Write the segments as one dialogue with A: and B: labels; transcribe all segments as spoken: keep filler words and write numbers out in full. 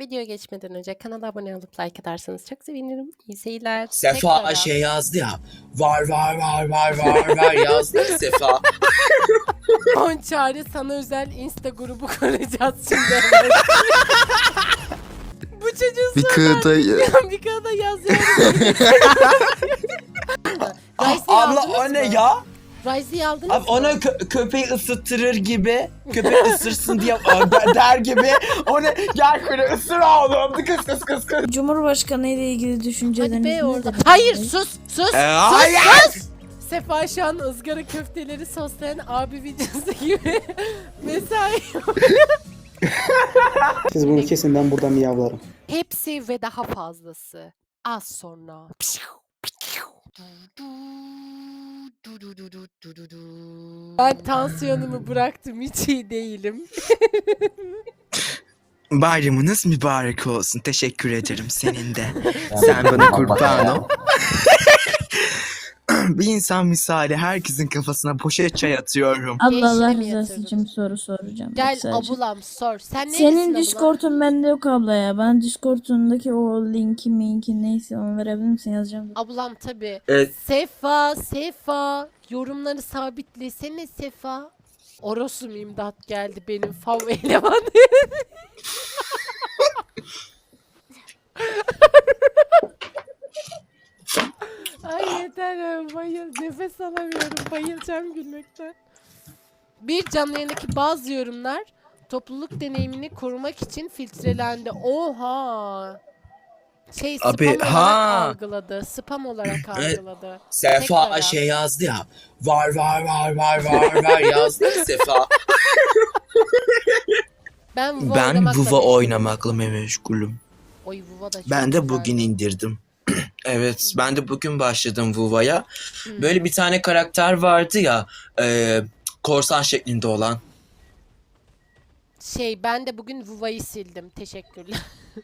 A: Videoya geçmeden önce kanala abone olup like atarsanız çok sevinirim. İyi seyirler.
B: Sefa
A: Tekrar.
B: şey yazdı ya. Var var var var var var yazdı ya Sefa.
A: On çare sana özel Insta grubu kuracağız şimdi. Bu çocuğun
C: Bir kığıda
A: bir kağıda yazıyor.
B: Abla o ne ya?
A: Rise'i aldınız
B: Abi
A: mı?
B: ona kö- köpeği ısıtırır gibi, köpek ısırsın diye der, der gibi. O ne? Gel şöyle ısır oğlum. Kıs kıs kıs kıs.
D: Cumhurbaşkanı ile ilgili
A: Hadi
D: düşünceleriniz
A: be orada.
D: nedir?
A: Hayır sus sus.
B: Ee,
A: sus
B: hayır.
A: sus. Sefa şu an ızgara köfteleri soslayan abi videosu gibi mesai.
E: Siz bunu kesin, ben burada miyavlarım.
A: Hepsi ve daha fazlası. Az sonra. Ben tansiyonumu bıraktım, hiç iyi değilim.
C: bayramınız mübarek olsun. Teşekkür ederim senin de. Sen bana kurban ol. Bir insan misali herkesin kafasına poşet çay atıyorum.
D: Allah Allah
A: Gençliğimi
D: rızası
A: yatırdım.
D: için bir soru soracağım.
A: Gel
D: Sadece.
A: abulam sor. Sen neresin
D: Senin
A: abulam?
D: Discord'un bende yok abla ya. Ben Discord'undaki o linki minki neyse onu verebilir misin, yazacağım.
A: Ablam tabii.
B: Evet.
A: Sefa, Sefa. Yorumları sabitlesene Sefa. Orosum imdat geldi benim fav elemanı. Ay yeter ya, bayıl. Nefes alamıyorum. Bayılacağım gülmekten. Bir canlı yayındaki bazı yorumlar topluluk deneyimini korumak için filtrelendi. Oha. Şey spam
C: Abi,
A: olarak
C: ha.
A: algıladı. Spam olarak algıladı.
B: Sefa
A: Tekrar
B: şey yazdı ya. Var var var var var var yazdı ya Sefa.
A: Ben Vuva
C: Ben
A: oynamakla
C: Vuva
A: meşgulüm.
C: oynamakla meşgulüm.
A: Oy Vuva da çok
C: Ben de
A: güzel.
C: bugün indirdim. Evet, ben de bugün başladım Vuva'ya. Böyle bir tane karakter vardı ya, e, korsan şeklinde olan.
A: Şey ben de bugün Vuva'yı sildim. Teşekkürler.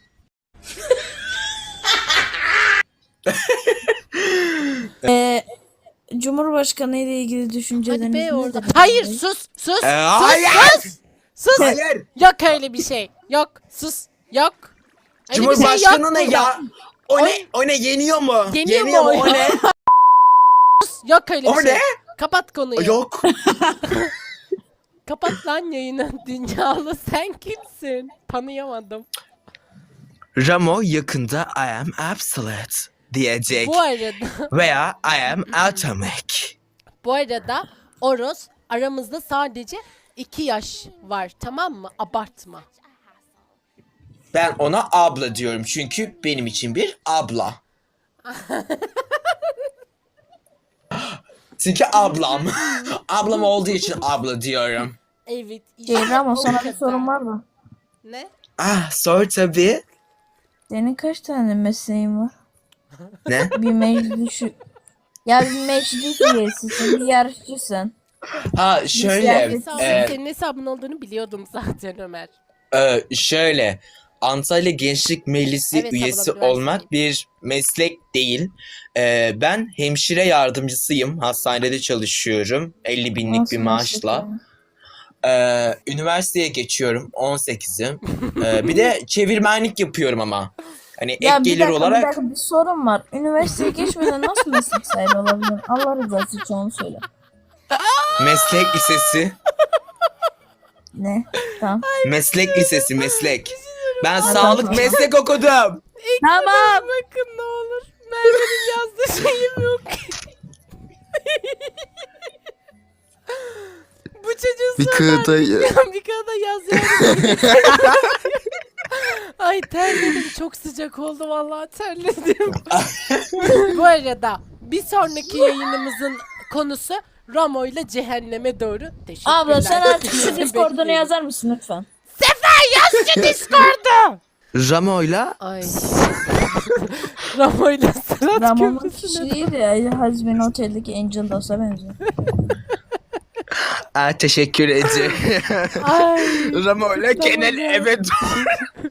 D: Ee, Cumhurbaşkanı ile ilgili
A: Hadi
D: düşünceleriniz
A: be orada.
D: nedir?
A: Hayır sus sus.
B: Ee,
A: sus
B: hayır.
A: sus. Sus.
B: Hayır.
A: Yok öyle bir şey. Yok sus. Yok. Öyle bir şey
B: Cumhurbaşkanı
A: yok
B: ne
A: burada.
B: ya? O
A: Oy.
B: ne? O ne? Yeniyor mu?
A: Yeniyor mu
B: mu?
A: o
B: O
A: ya?
B: ne?
A: Sus. Yok öyle bir
B: O
A: şey.
B: ne?
A: Kapat konuyu.
B: Yok.
A: Kapat lan yayını. Dünyalı sen kimsin? Tanıyamadım.
C: Ramo yakında I am absolute diyecek.
A: Bu arada
C: Veya I am atomic.
A: bu arada Oros aramızda sadece iki yaş var, tamam mı? Abartma.
B: Ben ona abla diyorum çünkü benim için bir abla. Çünkü ablam. Ablam olduğu için abla diyorum.
A: Evet.
D: Şey, Ramo,
A: o
D: sana bir
A: kadar.
D: sorum var mı?
A: Ne?
C: Ah, sor tabii.
D: Senin kaç tane mesleğin var?
C: Ne?
D: Bir meclis Ya bir meclis üyesisin, bir yarışçısın.
B: Ha şöyle.
D: Güzel.
A: Hesabın,
B: e,
A: senin hesabın olduğunu biliyordum zaten Ömer.
B: e, şöyle. Antalya Gençlik Meclisi
A: Evet,
B: üyesi
A: abla, biliyorum.
B: olmak bir meslek değil. E, ben hemşire yardımcısıyım. Hastanede çalışıyorum. elli binlik
D: Nasıl
B: bir
D: meslek
B: maaşla.
D: yani?
B: Ee, üniversiteye geçiyorum. on sekizim. Ee, bir de çevirmenlik yapıyorum ama. Hani ek
D: Ya bir
B: gelir
D: dakika,
B: olarak
D: bir dakika, bir sorun var. Üniversiteye geçmeden nasıl meslek sahibi olabilir? Allah rızası için onu söyle.
B: meslek lisesi.
D: Ne? Tamam.
B: Meslek lisesi meslek. Ben
D: Tamam,
B: sağlık
D: tamam.
B: meslek okudum.
D: Tamam.
A: Bakın ne olur. Merve'nin yazdığı şeyim yok. Bu çocuğun
C: Bir kığıda
A: bir kağıda yazıyor. Ay terledim, çok sıcak oldu vallahi, terledim. Bu arada bir sonraki yayınımızın konusu Ramo ile cehenneme doğru. Teşekkürler.
D: Abla sen artık şu Discord'unu
A: Bekleyin.
D: yazar mısın lütfen?
A: Şu Discord'u.
C: Ramo'yla
A: Ay. Ramo ile Sırat
D: Ramon'un
A: Köprüsü'ne.
D: kişiliği de Hazbin Otel'deki Angel Dust'a benziyor.
C: ah, teşekkür ederim.
A: Ay.
C: Ramo'yla
A: Tamam
C: genel
A: ya.
C: eve doğru.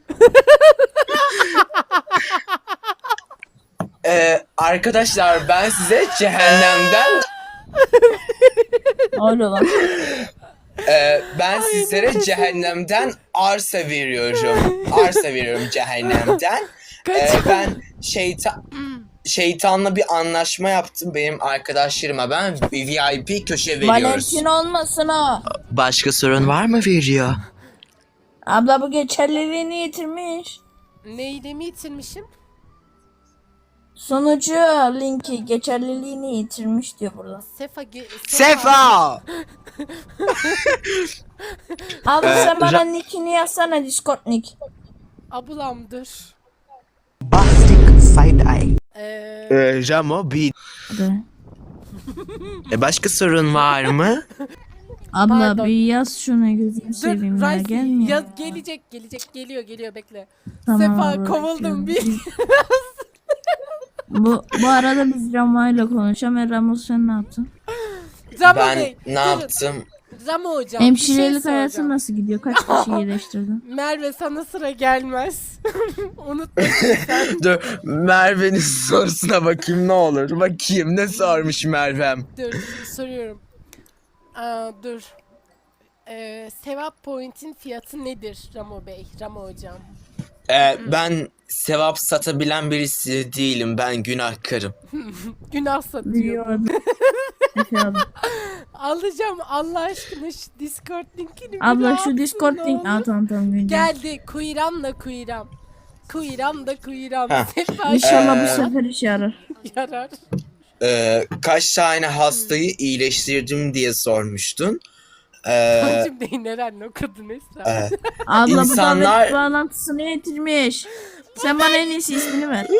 B: Ee, arkadaşlar ben size cehennemden
D: Öyle lan.
B: e,
C: Ben sizlere cehennemden arsa veriyorum. Arsa veriyorum cehennemden.
A: Kaç.
C: Ee, ben şeytan şeytanla bir anlaşma yaptım benim arkadaşlarıma. Ben V I P köşe veriyoruz.
D: Valentin olmasın o.
C: Başka sorun var mı veriyor?
D: Abla bu geçerliliğini yitirmiş.
A: Neyle mi yitirmişim?
D: Sonucu linki geçerliliğini yitirmiş diyor burada.
A: Sefa. ge-
C: Sefa!
D: Abi
C: Ee,
D: sen bana
C: Ra-
D: nickini yazsana, Discord nick.
A: Ablam dur.
B: Bastic side eye.
A: Ee,
C: Ee, Ramo bir...
D: Hadi.
C: E, başka sorun var mı?
D: Abla
A: Pardon.
D: bir yaz şunu, gözünü
A: dur
D: seveyim ya,
A: Rice
D: gelmiyor.
A: ya, gelecek gelecek geliyor geliyor bekle.
D: Tamam
A: Sefa
D: abla,
A: kovuldum
D: bekliyorum.
A: bir.
D: Bu, bu arada biz Ramo ile konuşalım. E, Ramo sen ne yaptın?
A: Ramo
C: Ben
A: Bey,
C: ne
A: durun.
C: yaptım?
A: Ramo hocam bir şey
D: Hemşirelik hayatı
A: soracağım.
D: nasıl gidiyor? Kaç kişi iyileştirdin?
A: Merve sana sıra gelmez. Unutma sen.
C: Dur Merve'nin sorusuna bakayım ne olur. Bakayım ne sormuş Merve'm.
A: Dur soruyorum. Aa, dur. Ee, sevap point'in fiyatı nedir Ramo Bey, Ramo hocam?
C: Ee, ben sevap satabilen birisi değilim. Ben günahkarım.
A: Günah satıyor.
D: Biliyorum. Efendim.
A: Alacağım Allah aşkına şu Discord linkini bir
D: Abla
A: rahat
D: şu Discord
A: ne
D: link.
A: olur.
D: Aa tamam tamam. güncel.
A: Geldi kuyram da kuyram. Kuyram da kuyram.
C: Heh.
A: Sefa
D: İnşallah
C: Ee,
D: bu sefer işe yarar.
A: yarar.
C: Ee, kaç tane hastayı iyileştirdim diye sormuştun. Ee,
A: Hacım değil Eren o kadın Esra.
C: e,
D: Abla
C: İnsanlar-
D: bu davet bağlantısını yitirmiş. Sen bana en iyisi ismini ver.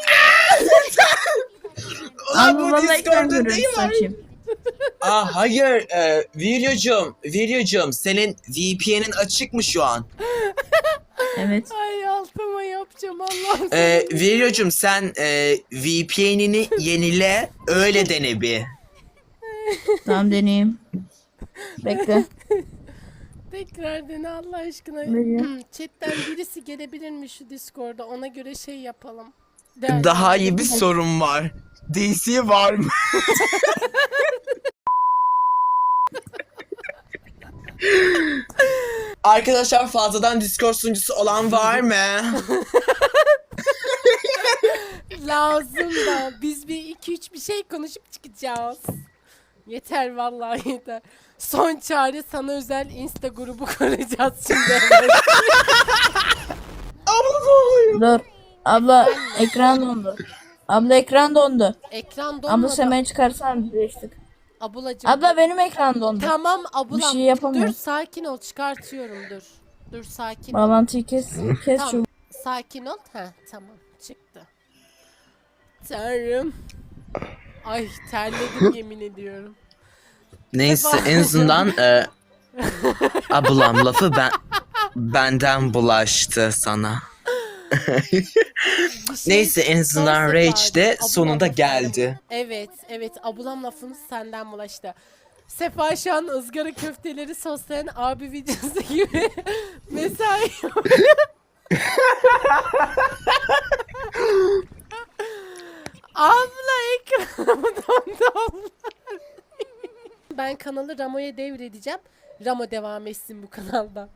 C: Ulan
D: Abla
C: bu
D: vallahi ekran
C: Discord'da
D: görüntüsü
C: değil mi?
D: açayım.
C: Aa hayır, e, videocum, videocum senin V P N'in açık mı şu an?
D: Evet.
A: Ay altıma yapacağım Allah'ım.
C: Ee, videocum sen e, V P N'ini yenile, öyle dene bir.
D: Tamam deneyeyim. Bekle.
A: Tekrar dene Allah aşkına.
D: Veriyor.
A: Chatten birisi gelebilir mi şu Discord'a? Ona göre şey yapalım.
C: Daha iyi bir sorun var. D C var mı? Arkadaşlar fazladan Discord sunucusu olan var mı?
A: Lazım da biz bir iki üç bir şey konuşup çıkacağız. Yeter vallahi yeter. Son çare sana özel Insta grubu kuracağız şimdi.
D: Dur. Abla ekran dondu. Abla ekran dondu.
A: Ekran
D: Abla
A: donmadı.
D: sen beni çıkarsan birleştik.
A: Abulacığım.
D: Abla benim ekran dondu.
A: Tamam abulam.
D: Bir şey yapamıyorum.
A: Dur sakin ol çıkartıyorum dur. Dur sakin ol.
D: Bağlantıyı kes. Kes
A: Tamam.
D: şu.
A: Sakin ol. Heh tamam çıktı. Tanrım. Ay terledim yemin ediyorum.
C: Neyse en azından e, ablam lafı ben benden bulaştı sana.
A: Bir şey-
C: Neyse en azından
A: Son
C: Rage
A: sefer
C: de
A: abulam
C: sonunda
A: lafı-
C: geldi.
A: Evet evet abulam lafımız senden bulaştı. Sefa şu an ızgara köfteleri soslayan abi videosu gibi mesai yapıyor. Abla ekranımı dondu abla. Ben kanalı Ramo'ya devredeceğim. Ramo devam etsin bu kanaldan.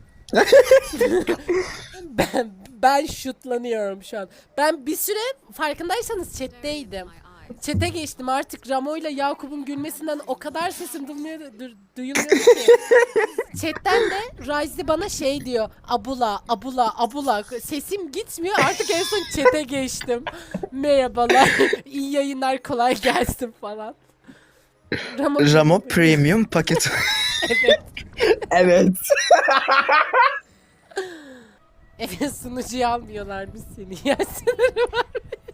A: ben ben şutlanıyorum şu an. Ben bir süre farkındaysanız chat'teydim. Chat'e geçtim artık Ramo ile Yakup'un gülmesinden o kadar sesim duyuluyor, du- duyuluyor ki. Chat'ten de Ryze bana şey diyor. Abula, abula, abula. Sesim gitmiyor artık en son chat'e geçtim. Merhabalar, iyi yayınlar kolay gelsin falan. Ramo,
C: Ramo Premium paket.
A: Evet.
C: Evet.
A: Evet sunucuyu almıyorlar biz seni. Ya sınırı var.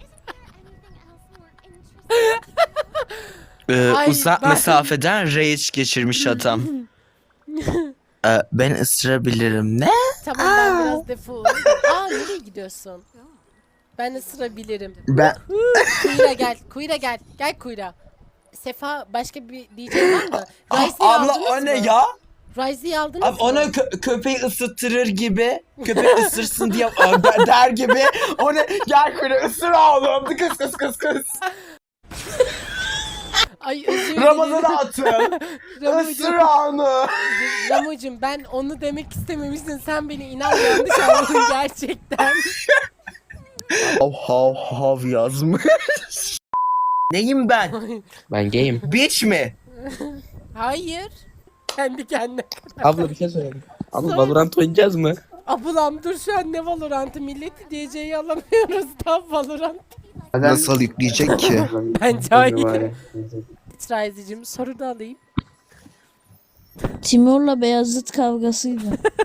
C: Ee,
A: Ay,
C: uzak
A: ben-
C: mesafeden rage geçirmiş adam. Ee, ben ısırabilirim. Ne?
A: Tamam ben biraz defol. Aa nereye gidiyorsun? Ben ısırabilirim.
C: Ben
A: Kuyra gel. Kuyra gel. Gel Kuyra. Sefa başka bir diyeceğin var mı? Rice'i
C: abla
A: aldınız
C: o ne
A: mı?
C: ya?
A: Rice'i aldınız
C: Abi
A: mı?
C: ona kö- köpeği ısıtırır gibi, köpek ısırsın diye a, der, der gibi. O ne? Gel kuru ısır oğlum. Kıs kıs kıs kıs.
A: Ay özür dilerim.
B: Ramazan'a atın.
A: Ramucum,
B: Isır onu.
A: Ramucum ben onu demek istememiştim. Sen beni inan yanlış anladın gerçekten.
C: Hav hav hav yazmış. Neyim ben?
F: Ben gayim.
C: Bitch mi?
A: Hayır. Kendi kendine.
F: Abla bir şey söyleyeyim. Abla
A: Söyle.
F: Valorant oynayacağız mı?
A: Abulam dur şu an ne Valorant'ı milleti D C'yi alamıyoruz da Valorant.
C: Nasıl yükleyecek ki?
A: Ben cahil. Rizicim soru da alayım.
D: Timur'la Beyazıt kavgasıydı.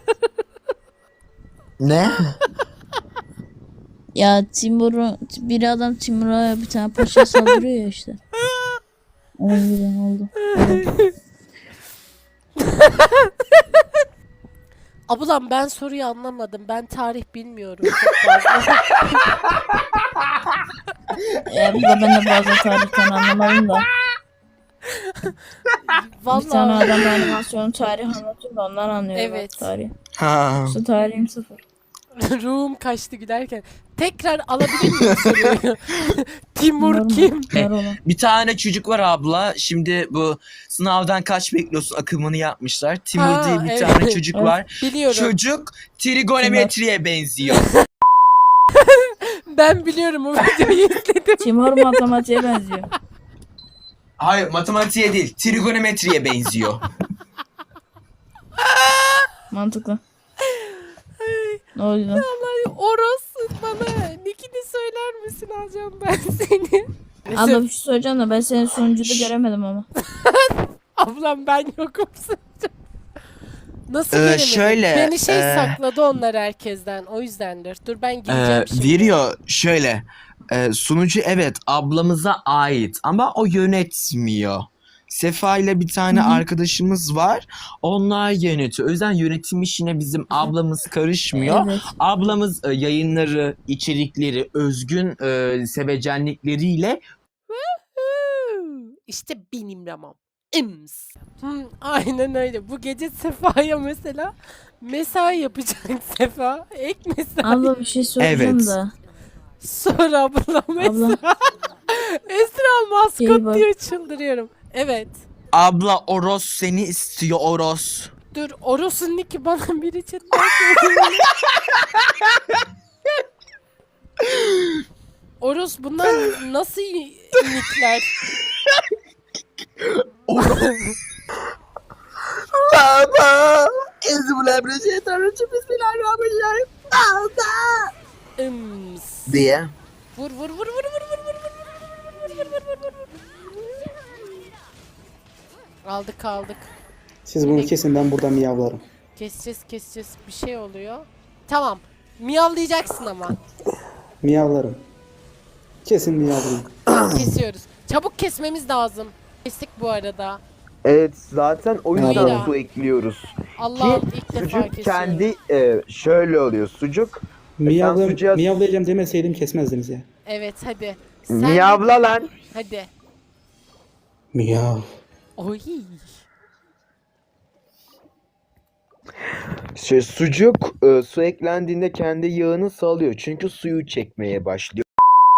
C: Ne?
D: Ya Timur'u bir adam Timur'a bir tane paşa saldırıyor ya işte. O yüzden oldu. Evet.
A: Abulam ben soruyu anlamadım. Ben tarih bilmiyorum çok fazla.
D: Ya bir de ben de bazen tarihten anlamadım da. Bir tane
A: Vallahi
D: adam animasyon tarihi anlatıyor da ondan anlıyorum.
A: Evet.
D: ben Tarihi.
C: Ha.
D: Yoksa tarihim sıfır.
A: ruhum kaçtı gülerken. Tekrar alabilir miyim soruyu? Timur
D: Normal.
A: kim?
D: Var olan.
C: Bir tane çocuk var abla. Şimdi bu sınavdan kaç bekliyorsun akımını yapmışlar. Timur
A: Ha,
C: diye bir
A: evet.
C: tane çocuk
D: Evet.
C: var.
A: Biliyorum.
C: Çocuk trigonometriye benziyor.
A: Ben biliyorum o videoyu izledim.
D: Timur matematiğe benziyor.
C: Hayır matematiğe değil trigonometriye benziyor.
D: Mantıklı. Ne oldu lan?
A: Vallahi Oros bana nickini söyler misin alacağım ben seni.
D: Abla bir şey söyleyeceğim da ben senin sunucuda göremedim ama.
A: Ablam ben yokum sanacağım. Nasıl
C: Ee,
A: göremedin?
C: şöyle,
A: Beni şey
C: e,
A: sakladı onlar herkesten o yüzdendir. Dur ben gireceğim
C: Ee,
A: şimdi.
C: veriyor şöyle. e, sunucu evet ablamıza ait ama o yönetmiyor. Sefa ile bir tane
D: Hı hı.
C: arkadaşımız var. Onlar yönetiyor. O yüzden yönetim işine bizim ablamız karışmıyor.
D: Evet.
C: Ablamız e, yayınları, içerikleri, özgün e, sevecenlikleriyle
A: Huu, İşte benim Ramam. İms. Hmm, aynen öyle. Bu gece Sefa'ya mesela mesai yapacak Sefa. Ek mesai.
D: Abla bir şey söyleyeceğim
C: Evet.
D: da.
A: Sor ablam
D: Abla.
A: Esra. Esra
D: İyi
A: maskot
D: bak.
A: diyor çıldırıyorum. Evet.
C: abla Oros seni istiyor Oros.
A: Dur Oros'un nicki bana biri chatten söylüyor. Oros bunlar nasıl nickler?
C: Baba. Ezbulabreşetarıcı bismillahirrahmanirrahim.
A: Ims.
C: Diye.
A: Vur vur vur vur vur vur vur vur vur vur vur vur vur. Aldık aldık.
E: Siz bunu kesin, ben burada miyavlarım.
A: Keseceğiz keseceğiz bir şey oluyor. Tamam. Miyavlayacaksın ama.
E: Miyavlarım. Kesin miyavlayayım.
A: Kesiyoruz. Çabuk kesmemiz lazım. Kestik bu arada.
G: Evet zaten o yüzden
A: Mira.
G: su ekliyoruz.
A: Allah'ım ilk defa
G: Sucuk
A: kesiyorum.
G: kendi e, şöyle oluyor sucuk.
E: Miyavla,
G: sucuğa-
E: miyavlayacağım demeseydim kesmezdiniz ya.
A: Evet hadi. Sen
G: Miyavla lan.
A: Hadi.
E: Miyav.
A: Oy.
G: Şey, sucuk e, su eklendiğinde kendi yağını salıyor. Çünkü suyu çekmeye başlıyor.